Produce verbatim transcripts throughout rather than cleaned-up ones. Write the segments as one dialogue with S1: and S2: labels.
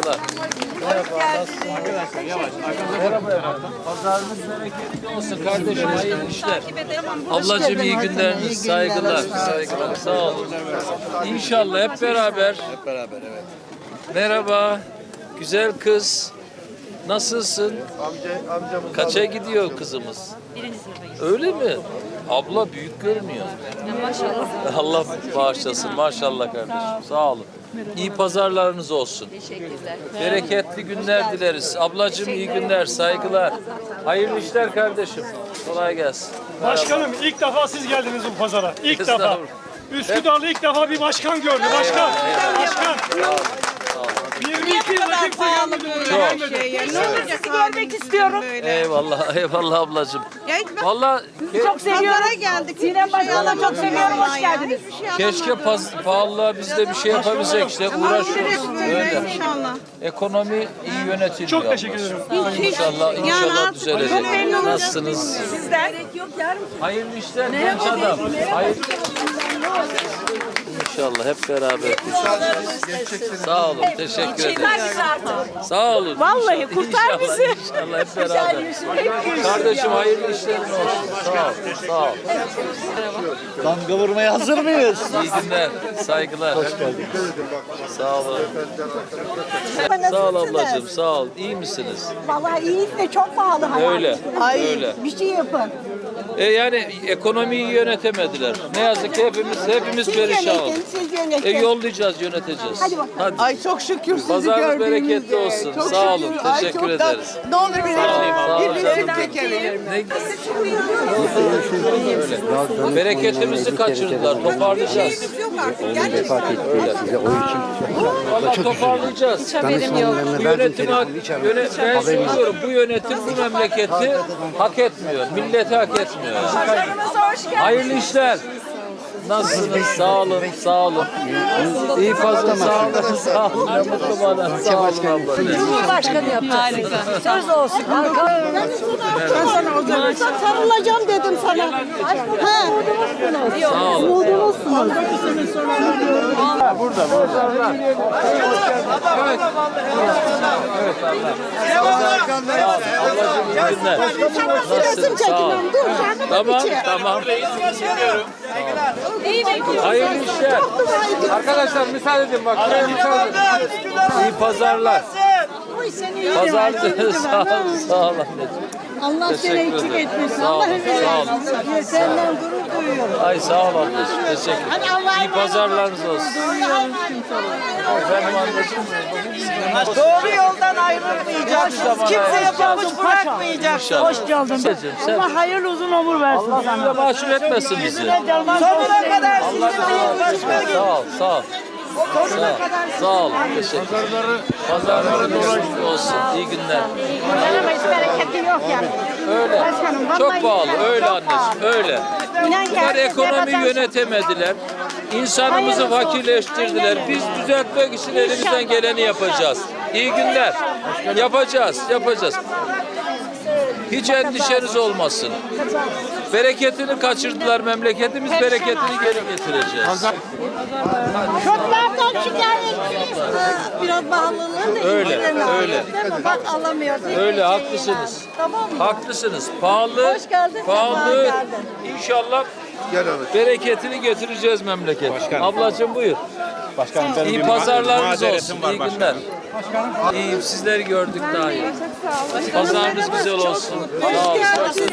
S1: saygılar. Merhaba, nasılsın? Arkadaşlar yavaş. Merhaba efendim. Pazarınız bereketli olsun kardeşim. Hayırlı işler. Ablacığım iyi günleriniz. Saygılar, saygılar. Sağ olun. İnşallah hep beraber.
S2: Hep beraber evet.
S1: Merhaba. Güzel kız. Nasılsın?
S2: Amca, amcamız
S1: Kaça gidiyor kızımız?
S3: Birinci sınıfa
S1: Öyle mi? Abla büyük görünüyor.
S3: Maşallah.
S1: Allah bağışlasın. Maşallah kardeşim. Sağ olun. İyi pazarlarınız olsun.
S3: Teşekkürler.
S1: Bereketli günler dileriz. Ablacığım iyi günler, saygılar. Hayırlı işler kardeşim. Kolay gelsin.
S4: Başkanım ilk defa siz geldiniz bu pazara. İlk defa.
S1: Estağfurullah.
S4: Üsküdar'da ilk defa bir başkan gördü. Başkan. Başkan. yirmi iki yılda kimse gelmedi buraya.
S1: Çok.
S4: Gelmedi.
S3: Ne olur sizi görmek istiyorum.
S1: Eyvallah, eyvallah ablacığım. Vallahi
S3: Çok seviyorum.
S5: Pazara geldik.
S3: Sinem Başkan'la çok seviyorum. Hoş geldiniz.
S1: keşke paz, pahalılığa biz de bir şey yapabilsek işte uğraşıyoruz. Öyle.
S5: İnşallah.
S1: Ekonomi iyi yönetiliyor.
S4: Çok teşekkür ederim.
S1: İnşallah, inşallah
S5: artık
S1: düzelecek.
S5: çok memnunum.
S1: Nasılsınız?
S3: Sizden. Yok yarın.
S1: Hayırlı işler genç adam. Hayırlı. İnşallah hep beraber. Sağ olun, teşekkür ederim. Sağ olun.
S3: Vallahi
S1: İnşallah,
S3: kurtar
S1: inşallah,
S3: bizi.
S1: İnşallah hep beraber. Kardeşim hayırlı işlerin olsun. Sağ ol, sağ ol.
S2: Damga vurmaya hazır mıyız?
S1: İyi günler, saygılar. Hoş geldin. Sağ olun. Sağ ol ablacığım, sağ ol. İyi misiniz?
S6: Vallahi iyi de çok pahalı hayat.
S1: Öyle, öyle.
S6: Bir şey yapın.
S1: E yani ekonomiyi yönetemediler. Ne yazık ki hepimiz hepimiz
S6: Siz
S1: perişan
S6: yönetin,
S1: olduk.
S6: siz
S1: E
S6: yönetin.
S1: yollayacağız, yöneteceğiz.
S6: Hadi bakalım.
S1: Hadi.
S5: Ay çok şükür sizi
S1: Pazarınız
S5: gördüğümüzde.
S1: bereketli olsun.
S5: Çok
S1: Sağ olun,
S5: şükür. Ay,
S1: teşekkür
S5: çok da-
S1: ederiz.
S5: Ne olur bir
S1: Sağ olun.
S5: bir resim çekelim.
S1: Ne? Öyle. Bereketimizi kaçırdılar. Toparlayacağız. Valla toparlayacağız. Bu yönetim hak, yöne, ben söylüyorum bu yönetim bu memleketi hak etmiyor. Milleti hak etmiyor. Hayırlı işler. Nasılsınız? Sağ olun, sağ olun. İyi fazla sağ olun, sağ olun. Ne mutlu bana. Sağ olun abla.
S6: Cumhurbaşkanı yapacağız. Harika. Söz olsun. Ben sana o zaman sarılacağım dedim sana. Ha.
S1: Sağ olun.
S6: Umudumuzsunuz.
S1: Burada, burada. Evet. Evet abla. Ablacığım iyi günler. Nasılsın? Sağ ol. Tamam, tamam. Hayırlı işler. Arkadaşlar müsaade edin bak. Şuraya müsaade edin. İyi pazarlar. Pazar sağ ol, sağ ol anneciğim.
S6: Allah seni
S1: Teşekkür
S6: eksik
S1: ederim.
S6: etmesin.
S1: Sağ ol,
S6: Allah
S1: sağ ol.
S6: razı olsun. Senden gurur duyuyorum.
S1: Ay sağ ol anneciğim. Teşekkür ederim. İyi pazarlarınız olsun. Efendim anneciğim.
S5: Doğru yoldan ayrılmayacaksınız. Kimseye pabuç bırakmayacaksınız.
S1: İnşallah.
S6: Hoş geldin.
S1: Anneciğim, sen
S6: Allah hayırlı uzun ömür versin
S1: Allah
S6: sana.
S1: size mahcup etmesin bizi.
S5: Sonuna kadar
S1: Allah
S5: sizinle görüşmek
S1: sağ ol, sağ ol. Sağ ol, sağ ol. Teşekkür ederim. Pazarlarınız olsun. İyi günler.
S6: Ama hiç bereketi yok yani.
S1: Öyle.
S6: Başkanım, vallahi
S1: Çok pahalı.
S6: billahi
S1: Öyle
S6: çok
S1: anneciğim. Öyle.
S6: İnan ki
S1: Bunlar
S6: herkes
S1: ekonomiyi
S6: yapacak.
S1: yönetemediler. İnsanımızı
S6: Hayırlısı olsun.
S1: fakirleştirdiler. Biz düzeltmek için elimizden geleni yapacağız. İyi günler. Yapacağız, yapacağız. Hiç endişeniz olmasın. Bereketini kaçırdılar memleketimiz, bereketini geri getireceğiz.
S6: Çöplerden şikayetçiyiz.
S5: Biraz pahalılığı da
S1: Öyle,
S5: indirin abi.
S1: öyle.
S5: Değil mi? Bak alamıyoruz.
S1: Öyle haklısınız.
S5: Tamam mı?
S1: Haklısınız. Pahalı,
S5: Hoş geldin,
S1: pahalı.
S5: sefa geldin.
S1: İnşallah bereketini getireceğiz memleket. Ablacığım buyur.
S2: Başkanım benim
S1: İyi
S2: bir
S1: pazarlarınız
S2: mazeretim
S1: olsun.
S2: var
S1: İyi
S2: başkanım.
S1: günler. İyiyim. Sizleri gördük daha iyi. Pazarınız güzel olsun. Sağ olun.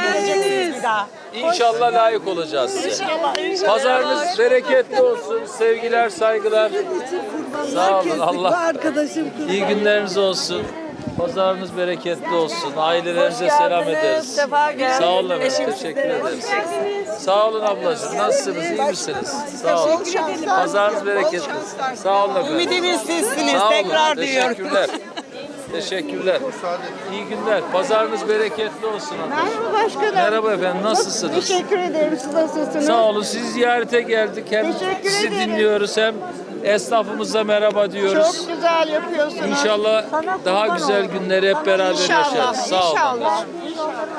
S1: İnşallah layık olacağız size. Pazarınız bereketli olsun. Sevgiler, saygılar. Sağ olun. Allah.
S5: Arkadaşım.
S1: İyi günleriniz olsun. Pazarınız bereketli olsun. Ailelerinize selam ederiz.
S5: Sefa geldiniz.
S1: Sağ olun efendim. Teşekkür ederiz. Sağ olun ablacığım. Nasılsınız? İyi misiniz? Sağ olun. Pazarınız bereketli. Sağ olun efendim.
S5: Ümidimiz sizsiniz.
S1: Sağ olun.
S5: Tekrar diyorum.
S1: Teşekkürler. Teşekkürler. İyi günler. Pazarınız bereketli olsun.
S6: Merhaba başkanım.
S1: Merhaba efendim. Nasılsınız?
S6: Teşekkür ederim. Siz nasılsınız?
S1: Sağ olun. Sizi ziyarete geldik. Hem
S6: Teşekkür
S1: sizi
S6: ederim.
S1: dinliyoruz hem esnafımıza merhaba diyoruz.
S6: Çok güzel yapıyorsunuz.
S1: İnşallah
S6: Sana
S1: daha
S6: kurban
S1: güzel
S6: olayım.
S1: günleri hep beraber
S6: İnşallah,
S1: yaşarız. Sağ olun
S6: inşallah.
S1: anneciğim.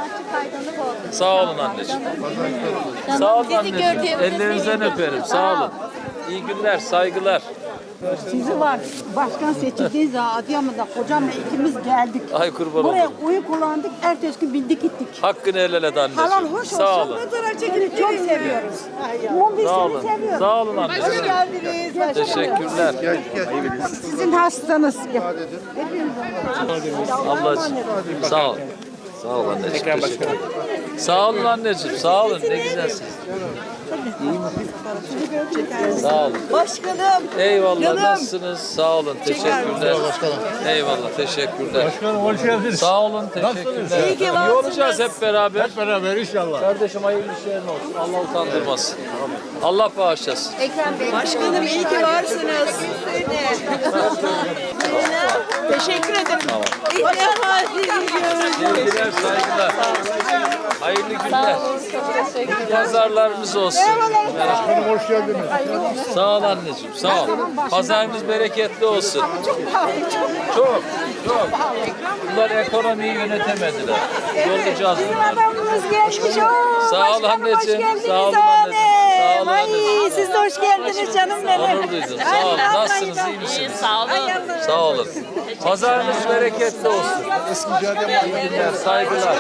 S1: Sağ olun anneciğim. Sağ olun anneciğim. Ellerinizden öperim. Sağ olun. İyi günler, saygılar.
S6: Sizi var. Başkan seçildiği zaman Adıyaman'da kocamla ikimiz geldik.
S1: Ay kurban
S6: Buraya
S1: olurum.
S6: oyu kullandık. Ertesi gün bindik gittik.
S1: Hakkını helal et anneciğim.
S6: Halal hoş olsun.
S1: Sağ olun.
S6: Seni çok seviyoruz. Mum biz
S1: Sağ
S6: seni
S1: olun.
S6: seviyoruz.
S1: Sağ olun anneciğim.
S6: Hoş geldiniz. başkanım.
S1: Teşekkürler.
S6: Sizin hastanız.
S1: Ablacığım sağ ol. Sağ ol anneciğim. Teşekkür ederim. Sağ olun anneciğim. Sağ olun. Ne güzelsiniz. Sağ olun.
S6: Başkanım.
S1: Eyvallah.
S6: Canım.
S1: Nasılsınız? Sağ olun. Teşekkürler. Eyvallah. Teşekkürler.
S4: Başkanım hoş geldiniz.
S1: Sağ olun. Teşekkürler.
S6: İyi ki
S1: İyi
S6: varsınız.
S1: olacağız hep beraber.
S4: Hep beraber inşallah.
S1: Kardeşim hayırlı işlerin olsun. Allah utandırmasın. Allah bağışlasın.
S6: Başkanım iyi ki varsınız. Teşekkür ederim.
S1: Tamam.
S6: İlk defa sizi görüyorum.
S1: Sevgiler, saygılar. Hayırlı günler. Pazarlarımız olsun.
S4: Başkanım hoş geldiniz.
S1: Sağ ol anneciğim, sağ ol. Pazarınız bereketli olsun. Çok, çok. Bunlar ekonomiyi yönetemediler. Yollayacağız bunları.
S6: Adamımız gelmiş. Oo,
S1: Sağ ol
S6: başkanım, hoş
S1: anneciğim.
S6: geldiniz
S1: Sağ olun
S6: anne.
S1: anneciğim. Sağ olun
S6: Ay,
S1: anneciğim.
S6: siz de hoş geldiniz canım benim.
S1: Onur duydum. Sağ olun. Nasılsınız, iyi misiniz?
S5: Sağ olun.
S1: Sağ olun. Pazarınız bereketli olsun. İyi günler, saygılar.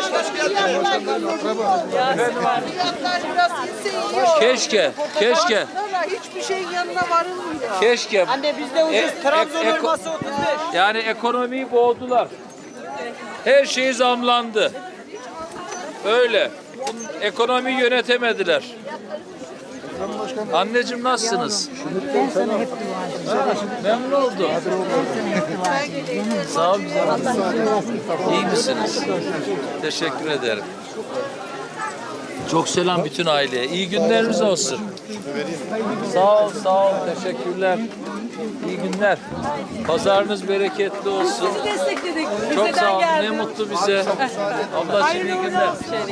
S1: Keşke, keşke.
S6: Hiçbir şeyin yanına varılmıyor.
S1: Keşke.
S6: Anne bizde ucuz.
S1: E-
S6: Trabzon
S1: e- eko-
S6: elması otuz beş.
S1: Yani ekonomiyi boğdular. Her şey zamlandı. Öyle. Ekonomiyi yönetemediler. Anneciğim nasılsınız?
S6: Ben sana hep dua edeceğim.
S1: Memnun oldum. Sağ ol güzel. İyi misiniz? Teşekkür ederim. Çok selam bütün aileye. İyi günleriniz olsun. Sağ ol, sağ ol. Teşekkürler. İyi günler. Pazarınız bereketli olsun.
S3: Destekledik.
S1: Çok sağ olun. Ne mutlu bize. Ablacığım iyi günler.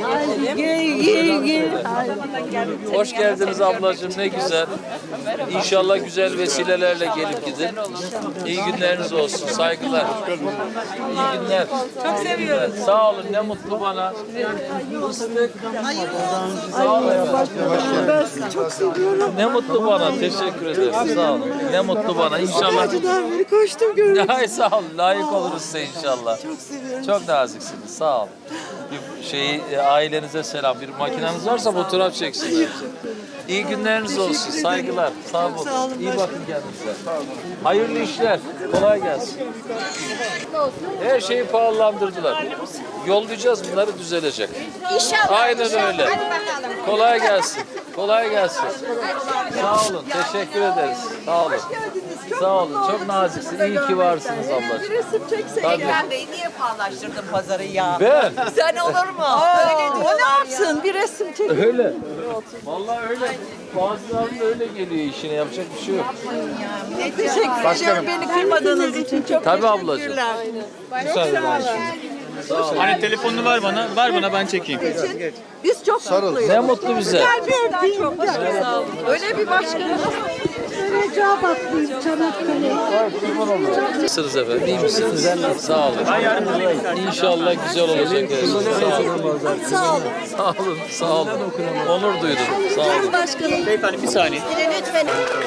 S1: Hoş geldiniz ablacığım. Ne güzel. İnşallah güzel vesilelerle gelip gidin. İyi günleriniz olsun. Saygılar. İyi günler. Çok seviyorum. Sağ olun. Ne mutlu bana. Fıstık. Sağ olun.
S6: Ben sizi çok seviyorum.
S1: Ne mutlu bana. Teşekkür ederim. Sağ olun. Ne mutlu bana. İnşallah.
S6: Acıdan beri koştum gördüm.
S1: Ay sağ olun. Layık oluruz size inşallah.
S6: Çok seviyorum.
S1: Çok naziksiniz. Sağ olun. Bir şeyi e, ailenize selam. Bir makineniz varsa fotoğraf çeksinler. İyi günleriniz olsun. Saygılar. Sağ olun. İyi bakın kendinize. Hayırlı işler. Kolay gelsin. Her şeyi pahalandırdılar. Yollayacağız bunları düzelecek.
S5: İnşallah.
S1: Aynen öyle. Kolay gelsin. Kolay gelsin. Sağ olun. Teşekkür ederiz. Sağ olun. Sağ olun. Çok naziksin. İyi ki varsınız ablacığım. Tabii.
S5: Ekrem Bey niye paylaştırdın pazarı ya?
S1: Ben.
S5: Sen olur mu? Öyle diyorlar o ne yapsın? Bir resim çek.
S1: Öyle. Vallahi öyle. Bazılarının öyle geliyor işine. Yapacak bir şey yok.
S5: Teşekkür ederim beni kırmadığınız için. Çok
S1: Tabii ablacığım.
S4: Hani telefonunu ver bana. Ver bana ben çekeyim.
S5: Biz çok mutluyuz.
S1: Ne mutlu bize.
S5: Öyle bir başkanımız.
S6: Recep Atlıyım Çanakkale.
S1: Nasılsınız efendim? İyi misiniz? Sağ olun. İnşallah güzel olacak her şey. Sağ olun.
S6: Sağ olun.
S1: Sağ olun. Sağ olun. Onur duydum. Sağ olun.
S6: Başkanım.
S4: Beyefendi bir saniye.
S6: Lütfen.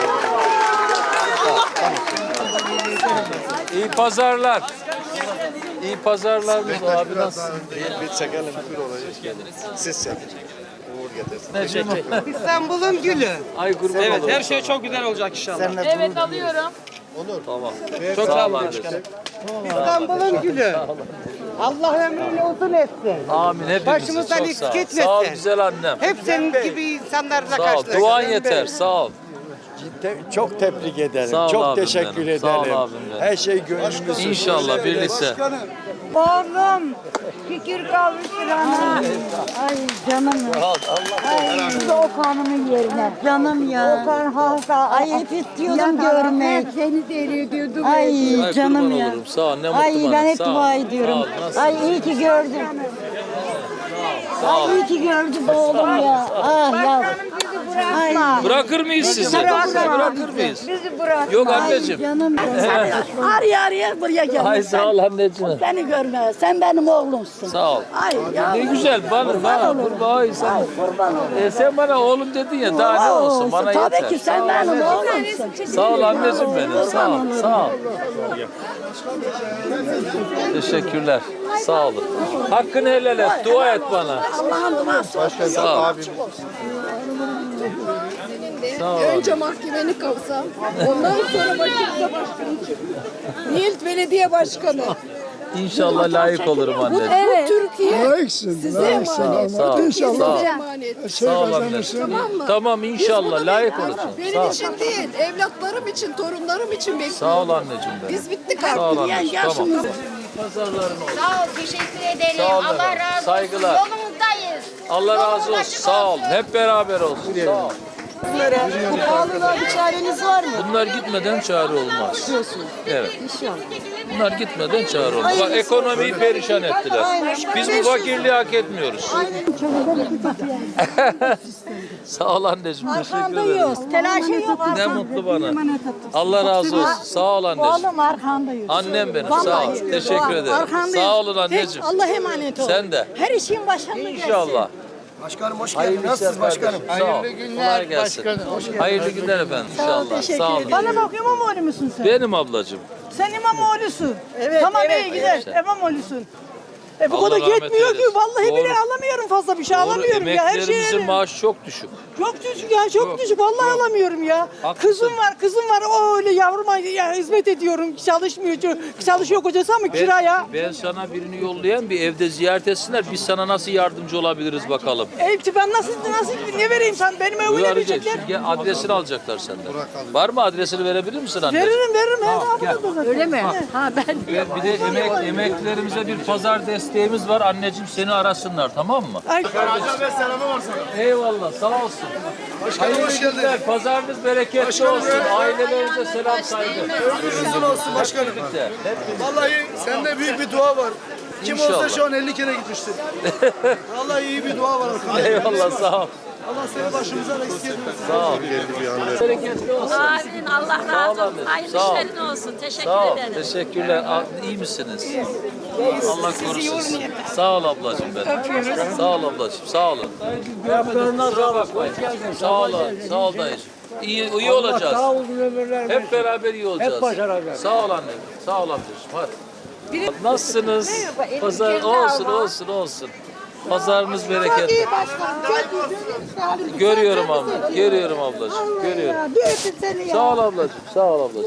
S1: İyi pazarlar. İyi pazarlarınız abi nasılsın?
S2: Bir çekelim bir olayı. Siz çekin. Uğur getirsin.
S1: Necim?
S6: İstanbul'un gülü.
S1: Ay kurban
S4: Evet
S1: olurum.
S4: her şey çok güzel olacak inşallah.
S5: Evet alıyorum.
S1: Tamam. Çok sağ olun.
S6: İstanbul'un gülü. Allah ömrünü uzun etsin.
S1: Amin. Hepimizi
S6: Başımızdan
S1: çok
S6: eksik
S1: sağ ol.
S6: etmesin.
S1: Sağ ol güzel annem.
S6: Hep senin gibi insanlarla
S1: Sağ ol.
S6: karşılaştık.
S1: Duan yeter. Sağ ol.
S2: Te- çok tebrik ederim.
S1: Sağ ol
S2: çok
S1: abim
S2: teşekkür
S1: benim.
S2: ederim.
S1: Sağ ol abim benim.
S2: Her şey gönlümüzde.
S1: İnşallah birlikte.
S6: Oğlum fikir kavuştur ana. Ay canım. Ay siz de Okan'ımın yerine. Canım ya. Okan halka. Ay hep istiyordum görmek. Seni seyrediyordum. Ay
S1: Ay
S6: canım
S1: kurban
S6: ya.
S1: olurum. Sağ ol. Ne mutlu
S6: Ay
S1: bana.
S6: ben hep
S1: Sağ ol.
S6: dua
S1: Sağ
S6: ediyorum.
S1: ol. Nasılsın?
S6: Ay iyi ki gördüm.
S1: Sağ ol.
S6: Ay iyi ki gördüm oğlum ya. Ah ya. bırakma.
S1: Bırakır mıyız sizi? Bırakır mıyız?
S6: Bizi bırak.
S1: Yok anneciğim.
S6: Canım.
S5: Araya araya buraya gel.
S1: Ay sağ ol anneciğim.
S5: Beni görme. Sen benim oğlumsun.
S1: Sağ ol.
S5: Ay ya.
S1: Ne güzel bana bana kurban ay sen. E, sen bana oğlum dedin ya daha ne olsun bana
S5: Tabii
S1: yeter.
S5: ki sen benim oğlumsun.
S1: Sağ ol anneciğim benim. Sağ ol. Sağ ol. Teşekkürler. Sağ olun. Hakkını helal et. Dua et bana.
S5: Allah'ın duası olsun.
S1: Sağ ol.
S2: Abim.
S1: Sağ ol.
S7: Önce mahkemeni kavsam, ondan sonra başımıza başkanı çıktı. Nilt Belediye Başkanı.
S1: İnşallah layık olurum
S7: Bu,
S1: anneciğim.
S7: bu Türkiye size emanet.
S1: Sağ ol.
S7: Türkiye
S1: Sağ ol.
S7: size emanet.
S1: Sağ ol anneciğim. Tamam inşallah layık olacağım. Sağ
S7: Benim
S1: ol.
S7: için değil, evlatlarım için, torunlarım için bekliyorum.
S1: Sağ ol anneciğim benim.
S7: Biz bittik
S1: Sağ ol
S7: artık.
S1: anneciğim. Tamam. Pazarların olsun.
S8: Sağ ol, teşekkür ederim.
S1: Sağ ol
S8: Allah
S1: efendim.
S8: razı
S1: Saygılar.
S8: olsun. Yolumuzdayız.
S1: Allah razı
S8: Yolumuz
S1: olsun.
S8: açık
S1: Sağ ol.
S8: olsun.
S1: Hep beraber olsun. Sağ ol.
S5: Bu pahalılığa bir çareniz var mı?
S1: Bunlar gitmeden çare olmaz. Evet. Bunlar gitmeden çare olmaz. Bak ekonomiyi perişan ettiler. Biz bu fakirliği hak etmiyoruz. Sağ ol anneciğim. Teşekkür ederim.
S6: Arkandayız. Telaşın yok.
S1: Ne mutlu bana. Allah razı olsun. Sağ ol anneciğim.
S6: Oğlum arkandayız.
S1: Annem benim. Sağ ol. Teşekkür ederim.
S6: Arkandayız.
S1: Sağ olun anneciğim.
S6: Allah emanet ol.
S1: Sen de.
S6: Her işin başında gelsin.
S1: İnşallah.
S2: Başkanım hoş
S1: Hayırlı
S2: geldiniz.
S1: işler
S2: Nasılsınız başkanım?
S1: kardeşim. Sağ ol. Kolay gelsin. Hayırlı günler efendim inşallah. Sağ olun.
S3: Bana bak İmamoğlu musun sen?
S1: Benim ablacığım.
S3: Sen İmamoğlu'sun.
S5: Evet,
S3: Tamam
S5: evet,
S3: iyi gider.
S1: evet.
S3: İmamoğlu'sun. E bu
S1: Allah
S3: kadar
S1: rahmet
S3: yetmiyor ki.
S1: eylesin.
S3: Vallahi
S1: Doğru.
S3: bile alamıyorum fazla bir şey
S1: Doğru,
S3: alamıyorum ya. Her şey
S1: emeklerimizin maaşı çok düşük.
S3: çok düşük ya çok, düşük. Vallahi alamıyorum ya.
S1: Haklısın.
S3: Kızım var kızım var. O öyle yavruma ya, hizmet ediyorum. Çalışmıyor. Çalışıyor kocası ama kiraya.
S1: Ben sana birini yollayan bir evde ziyaret etsinler. Biz sana nasıl yardımcı olabiliriz bakalım.
S3: Elçi ben nasıl nasıl ne vereyim sen benim evime
S1: Uyarıcı.
S3: verecekler.
S1: Gel, adresini alacaklar senden. Var mı adresini verebilir misin anne?
S3: Veririm veririm.
S1: Ha,
S3: Her
S1: gel.
S3: zaman öyle mi? Ha ben.
S1: Ve bir de emek, emeklerimize bir pazar desteğimiz var. Anneciğim seni arasınlar tamam mı?
S3: Ay,
S1: Eyvallah sağ olsun. Hayırlı
S2: hoş geldin.
S1: günler. Pazarınız bereketli olsun. Ailelerinize selam saygı.
S2: Ömrünüzün olsun başkanım.
S1: Birlikte.
S2: Vallahi sende büyük bir dua var. Kim
S1: İnşallah.
S2: olsa şu an elli kere gitmiştir. Vallahi iyi bir dua var arkadaşlar.
S1: Eyvallah sağ ol.
S2: Allah seni başımıza da istedim.
S1: Sağ ol. Bereketli olsun.
S8: Amin. Allah
S1: Sağ ol
S8: razı olsun.
S1: anneciğim,
S8: Hayırlı
S1: sağ ol.
S8: işlerin olsun. Teşekkür
S1: Sağ ol.
S8: ederim.
S1: Teşekkürler. A- İyi misiniz? Allah korusun. Sağ ol ablacığım benim. Sağ ol ablacığım. Sağ olun. Kusura bakmayın. Sağ ol. Sağ ol dayıcığım. İyi, iyi olacağız.
S4: Sağ olun ömürler.
S1: Hep beraber iyi olacağız.
S4: Hep başaracağız.
S1: Sağ ol annem. Sağ ol amcacığım. Hadi. Nasılsınız? Pazar olsun olsun olsun. Pazarınız bereketli. Görüyorum abla. Görüyorum ablacığım. Görüyorum.
S6: Bir öpün seni ya.
S1: Sağ ol ablacığım. Sağ ol ablacığım.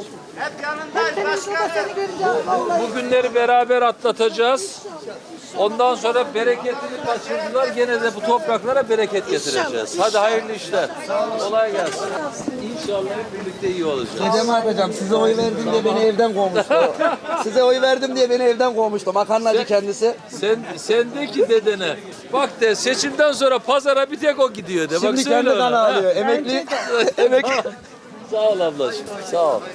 S6: Seni göreceğim vallahi.
S1: Bu günleri beraber atlatacağız. Ondan sonra bereketini kaçırdılar. Gene de bu topraklara bereket getireceğiz. Hadi hayırlı işler. Kolay gelsin. İnşallah hep birlikte iyi olacağız.
S9: Dedem yapacağım. Size oy verdim diye beni evden kovmuştu. Size oy verdim diye beni evden kovmuştu. Makarnacı kendisi.
S1: Sen sen de ki dedene. Bak de seçimden sonra pazara bir tek o gidiyor de. Bak
S9: Şimdi
S1: söyle
S9: kendi
S1: ona.
S9: kanı
S1: Ha.
S9: alıyor. Emekli. Emekli.
S1: Sağ ol ablacığım. Sağ ol.